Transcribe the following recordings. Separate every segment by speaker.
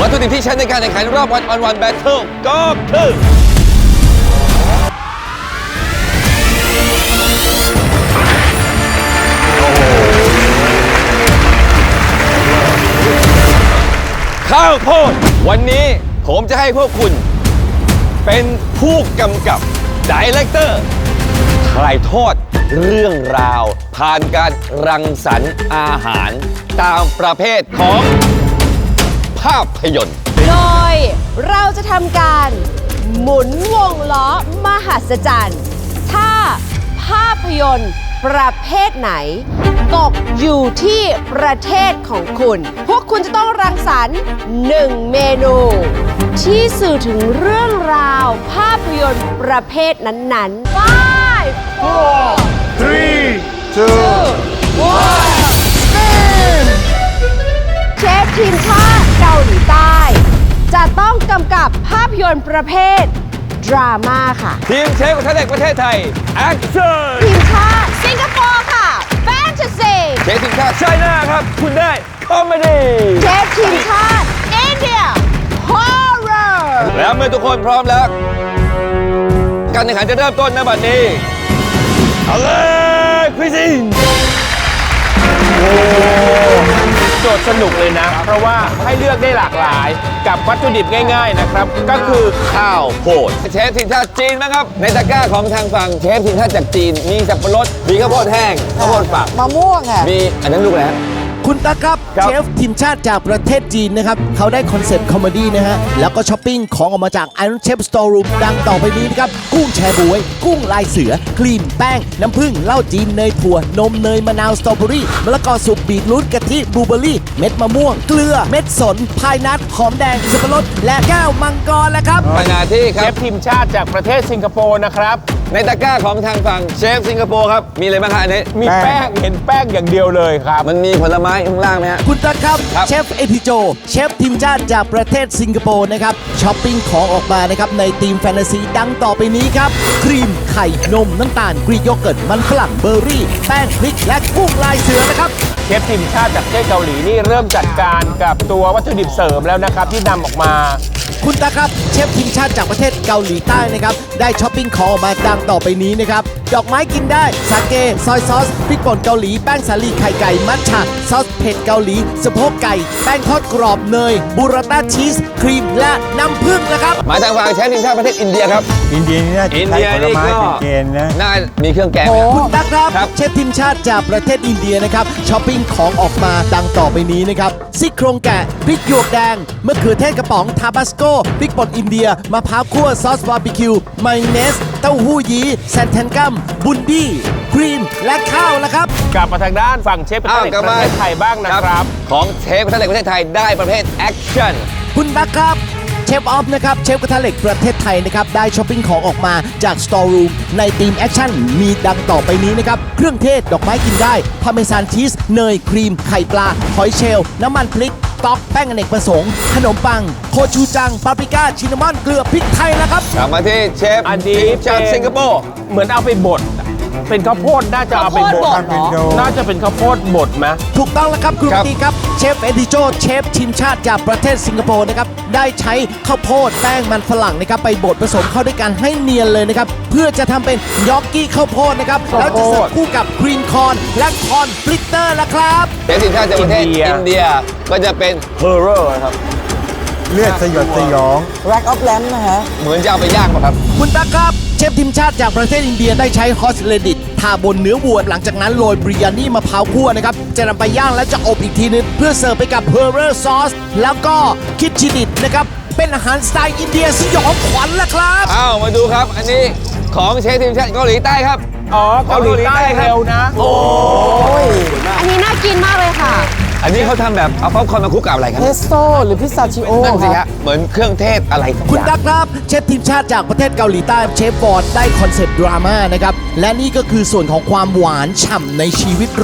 Speaker 1: วัตถุดิบที่ใช้ในการแข่งขันรอบวันออนวันแบทเทิลก็คือข้าวโพดวันนี้ผมจะให้พวกคุณเป็นผู้กำกับดีเรคเตอร์ถ่ายทอดเรื่องราวผ่านการรังสรรค์อาหารตามประเภทของภาพยนตร์
Speaker 2: โดยเราจะทำการหมุนวงล้อมหัศจรรย์ถ้าภาพยนตร์ประเภทไหนตกอยู่ที่ประเทศของคุณพวกคุณจะต้องรังสรรค์1เมนูที่สื่อถึงเรื่องราวภาพยนตร์ประเภทนั้นๆ 5 4
Speaker 3: 3 2
Speaker 2: เชฟทีมชาติเกาหลีใต้ จะต้องกำกับภาพยนตร์ประเภทดราม่าค่ะ
Speaker 1: ทีมเชฟกระทะเหล็กประเทศไทยแอคชั่น
Speaker 2: ทีมชาติสิงคโปร์ค่ะแฟนตาซี
Speaker 1: เชฟทีมชาติไชน่าครับคุณได้คอมเมดี้
Speaker 2: เชฟทีมชาติอินเดียฮอร์เรอร์
Speaker 1: แล้วเมื่อทุกคนพร้อมแล้วการแข่งขันจะเริ่มต้นณบัดนี้เอาเลยคริสติน
Speaker 4: โจทย์สนุกเลยนะ เพราะว่าให้เลือกได้หลากหลายกับวัตถุดิบง่ายๆนะครับก็คือ
Speaker 1: ข้าวโพดเชฟทีมชาติจีนนะครับในตะกร้าของทางฝั่งเชฟทีมชาติจากจีนมีสับปะรดมีข้าวโพดแห้งข้าวโพดฝัก
Speaker 5: มะม่วงอ่ะ
Speaker 1: มีอันนั้นลูกแล้ว
Speaker 3: คุณตาครับเชฟทีมชาติจากประเทศจีนนะครับเขาได้คอนเซ็ปต์คอมเมดี้นะฮะแล้วก็ช้อปปิ้งของออกมาจาก Iron Chef Store Room ดังต่อไปนี้นะครับกุ้งแชบวยกุ้งลายเสือครีมแป้งน้ำผึ้งเหล้าจีนเนยถั่วนมเนยมะนาวสตรอเบอรี่มะละกอสุกบีทรูทกะทิบลูเบอรี่เม็ดมะม่วงเกลือเม็ดสนพายนัทหอมแดงสับปะรดและแก้วมังกรแล้วครับ
Speaker 1: ขณะที่ค
Speaker 4: เช
Speaker 1: รับ
Speaker 4: ฟทีมชาติจากประเทศสิงคโปร์นะครับ
Speaker 1: ในตะกร้าของทางฝั่งเชฟสิงคโปร์ครับมีอะไรบ้างครับอันนี้
Speaker 4: มีแป้งเห็นแป้งอย่างเดียวเลยครับ
Speaker 1: มันมีผลไม้ข้างล่างไหมฮะ
Speaker 3: คุณตาครับเชฟเอทิโจเชฟทีมชาติจากประเทศสิงคโปร์นะครับช้อปปิ้งของออกมานะครับในทีมแฟนตาซีดังต่อไปนี้ครับครีมไข่นมน้ำตาลกรีกโยเกิร์ตมันฝรั่งเบอร์รี่แป้งพริกและกุ้งลายเสือนะครับ
Speaker 4: เชฟทีมชาติจากประเทศเกาหลีนี่เริ่มจัดการกับตัววัตถุดิบเสริมแล้วนะครับที่นำออกมา
Speaker 3: คุณตาครับเชฟทีมชาติจากประเทศเกาหลีใต้นะครับได้ช้อปปิ้งของออกมาดังต่อไปนี้นะครับดอกไม้กินได้สาเกซอยซอสพริกป่นเกาหลีแป้งสาลีไข่ไก่มัทฉะซอสเผ็ดเกาหลีสะโพกไก่แป้งทอดกรอบเนยบูราต้าชีสครีมและน้ำผึ้งนะครับ
Speaker 1: มาทางฝั่งเชฟทีมชาติประเทศอินเดียครับ
Speaker 6: อินเดียนี่น่าจะใช้ผลไม้เป็นเกณฑ์นะ
Speaker 1: น่ามีเครื่องแกง
Speaker 3: คุณตาครับเชฟทีมชาติจากประเทศอินเดียนะครับช้อปปิ้งของออกมาดังต่อไปนี้นะครับซี่โครงแกะพริกหยวกแดงมะเขือเทศกระป๋องทาบาสโกพริกป่นอินเดียมะพร้าวคั่วซอสบาร์บีคิวมายองเนสเต้าหู้ยี้แซนแทนกัมบุนดี้ครีมและข้าวแล้วครับ
Speaker 4: กลับมาทางด้านฝั่งเชฟประเทศไทยบ้างนะครับ
Speaker 1: ของเชฟประเทศประเทศไทยได้ประเภทแอคชั่น
Speaker 3: คุณตั๊กครับเชฟออฟนะครับเชฟกระทะเหล็กประเทศไทยนะครับได้ช้อปปิ้งของออกมาจาก Store Room ในทีมแอคชั่นมีดังต่อไปนี้นะครับเครื่องเทศดอกไม้กินได้พาร์เมซานชีสเนยครีมไข่ปลาหอยเชลล์น้ำมันพริกต๊อกแป้งอเนกประสงค์ขนมปังโคชูจังปาปริก้าชินนามอนเกลือพริกไทยแล้วครับ
Speaker 1: กลับมาที่เชฟทีมชาติสิงคโปร์
Speaker 4: เหมือนเอาไปบดเป็นข้าวโพดน่าจะเอาไปบดน่าจะเป็นข้าวโพดบดไหม
Speaker 3: ถูกต้องแล้วครับคุณปตีครับเชฟเอดิโจเชฟทีมชาติจากประเทศสิงคโปร์นะครับได้ใช้ข้าวโพดแป้งมันฝรั่งนะครับไปบดผสมเข้าด้วยกันให้เนียนเลยนะครับเพื่อจะทำเป็นยอกกี้ข้าวโพดนะครับแล้วจะเสิร์ฟคู่กับกรีนคอร์นและคอร์นฟลิตเตอร์ละครับ
Speaker 1: เชฟทีมชาติจากประเทศอินเดียก็จะเป็นเฮอร์เรอร์ครับ
Speaker 6: เลือดสยดสยอง
Speaker 5: Rack of Lamb นะฮะ
Speaker 1: เหมือนจะเอาไปย่างป่ะครับ
Speaker 3: คุณตาครับเชฟทีมชาติจากประเทศอินเดียได้ใช้ฮอสเลดิตทาบนเนื้อวัวหลังจากนั้นโรยบริยานี่มะพร้าวคั่วนะครับจะนำไปย่างและจะอบอีกทีนึงเพื่อเสิร์ฟไปกับเฮอร์เรอร์ซอสแล้วก็คิดชิดิตนะครับเป็นอาหารสไตล์อินเดียสยองขวัญละครับ
Speaker 1: มาดูครับอันนี้ของเชฟทีมชาติเกาหลีใต้ครับ
Speaker 4: เกาหลีใต้เร็วนะ
Speaker 1: โอ้
Speaker 2: ยอันนี้น่ากินมากเลยค่ะ
Speaker 1: อันนี้เขาทำแบบเอาป๊อปคอร์นมาคลุกกับอะไรครับ
Speaker 5: เพสโต้หรือพิซซาชิโอ
Speaker 1: นั่นสิฮะเหมือนเครื่องเทศอะไร
Speaker 3: คุณตั๊กครับเชฟทีมชาติจากประเทศเกาหลีใต้เชฟฟอร์ดได้คอนเซ็ปต์ดราม่านะครับและนี่ก็คือส่วนของความหวานฉ่ำในชีวิตรักแ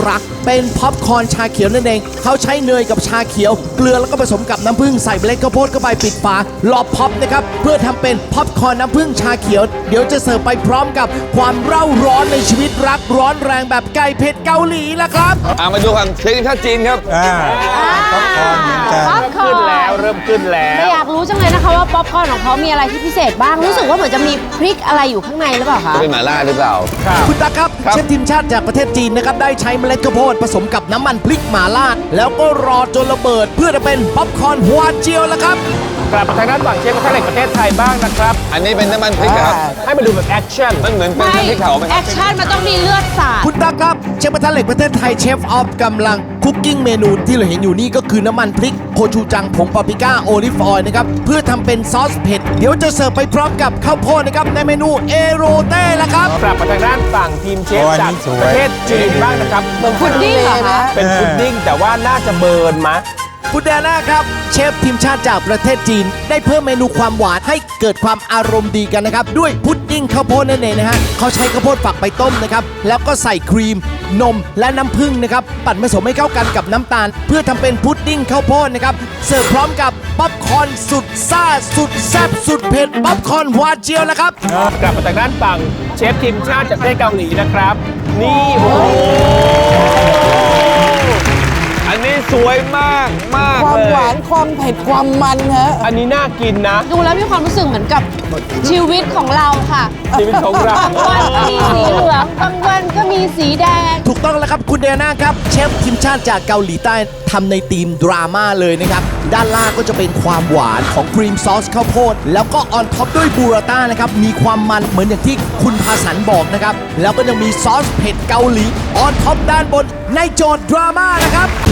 Speaker 3: เป็นพ็อปคอร์นชาเขียวนั่นเองเขาใช้เนยกับชาเขียวเกลือแล้วก็ผสมกับน้ำผึ้งใส่เมล็ดข้าวโพดเข้าไปปิดฝารอพ็อปนะครับเพื่อทำเป็นพ็อปคอร์นน้ำผึ้งชาเขียวเดี๋ยวจะเสิร์ฟไปพร้อมกับความเร่าร้อนในชีวิตรักร้อนแรงแบบไก่เผ็ดเกาหลีละครับ
Speaker 1: มาดูความเชฟทีมชาติจีนครับ
Speaker 6: ป๊อปคอร์นเหมือนกัน
Speaker 2: ป๊อปคอ
Speaker 4: ขึ้น
Speaker 2: ร์น
Speaker 4: แล้วเริ่มขึ้นแล้
Speaker 2: แต่
Speaker 4: ว
Speaker 2: อยากรู้จังเลยนะคะว่าป๊อปคอร์นของเขามีอะไรที่พิเศษบ้าง รู้สึกว่าเหมือนจะมีพริกอะไรอยู่ข้างในหรือเปล่าคะ
Speaker 1: จะเป็นหม่าล่าหรือเปล่า
Speaker 3: คุณตาครับ
Speaker 1: ครับ
Speaker 3: เชฟทีมชาติจากประเทศจีนนะครับได้ใช้เมล็ดข้าวโพดผสมกับน้ำมันพริกหม่าล่าแล้วก็รอจนระเบิดเพื่อจะเป็นป๊อปคอร์นหัวเจียวละครับ
Speaker 4: กลับมาทางด้านฝั่งเชฟกระทะเหล็กประเทศไทยบ้างนะครับ
Speaker 1: อันนี้เป็นน้ำมันพริกครับ
Speaker 4: ให้มาดูแบบแอคชั่น
Speaker 1: มันเหมือนเป็น
Speaker 2: ไม่
Speaker 1: น้ำพริกเผาไหมค
Speaker 2: แอ
Speaker 1: รับ
Speaker 2: คชั่นมันต้องมีเลือดสาด
Speaker 3: คุณตาครับเชฟกระทะเหล็กประเทศไทยเชฟออฟกำลังคุกกิ้งเมนูที่เราเห็นอยู่นี่ก็คือน้ำมันพริกโคชูจังผงปาปริก้าโอลิฟออยล์นะครับเพื่อทำเป็นซอสเผ็ดเดี๋ยวจะเสิร์ฟไปพร้อมกับข้าวโพดนะครับในเมนูเอโรเต้ละครับ
Speaker 4: กลับมาทางด้านฝั่งทีมเชฟ
Speaker 6: โอ้อัน
Speaker 4: จาก
Speaker 6: นี้สวย
Speaker 4: ประเทศจีนบ้างนะครับ
Speaker 2: พุดดิ้งเหรอคะ
Speaker 4: เป็นพุดดิ้งแต่ว่าน่าจะเบิร์นมะ
Speaker 3: คุณแดน่าครับเชฟทีมชาติจากประเทศจีน ได้เพิ่มเมนูความหวานให้เกิดความอารมณ์ดีกันนะครับ ด้วยพุดดิ้งข้าวโพดนั่นเองนะฮะเขาใช้ข้าวโพดฝักไปต้มนะครับ แล้วก็ใส่ครีม นมและน้ำผึ้งนะครับ ปั่นผสมให้เข้ากันกับน้ำตาล เพื่อทำเป็นพุดดิ้งข้าวโพดนะครับ เสิร์ฟพร้อมกับป๊อปคอร์นสุดซ่าสุดแซ่บสุดเผ็ดป๊อปคอร์นหวานเจียวละครับ
Speaker 4: กลับมาทางด้านฝั่งเชฟทีมชาติจากประเทศเกาหลีนะครับ นี่โอ้โห
Speaker 1: อันนี้สวยมากมาก
Speaker 5: ความ
Speaker 1: เล
Speaker 5: หวาย นความเผ็ดความมันฮะ
Speaker 4: อันนี้น่ากินนะ
Speaker 2: ดูแล้วมีความรู้สึกเหมือนกับชีวิตของเราค่ะ
Speaker 4: ชีวิตของเรา
Speaker 2: บางวันก็มีสีเหลือง บางวันก็มีสีแดง
Speaker 3: ถูกต้องแล้วครับคุณเดน่าครับเชฟทีมชาติจากเกาหลีใต้ทำในธีมดราม่าเลยนะครับ ด้านล่างก็จะเป็นความหวานของครีมซอสข้าวโพดแล้วก็ออนท็อปด้วยบูราต้านะครับมีความมันเหมือนอย่างที่คุณภาสันบอกนะครับ แล้วก็ยังมีซอสเผ็ดเกาหลีออนท็อปด้านบนในโจทย์ดราม่านะครับ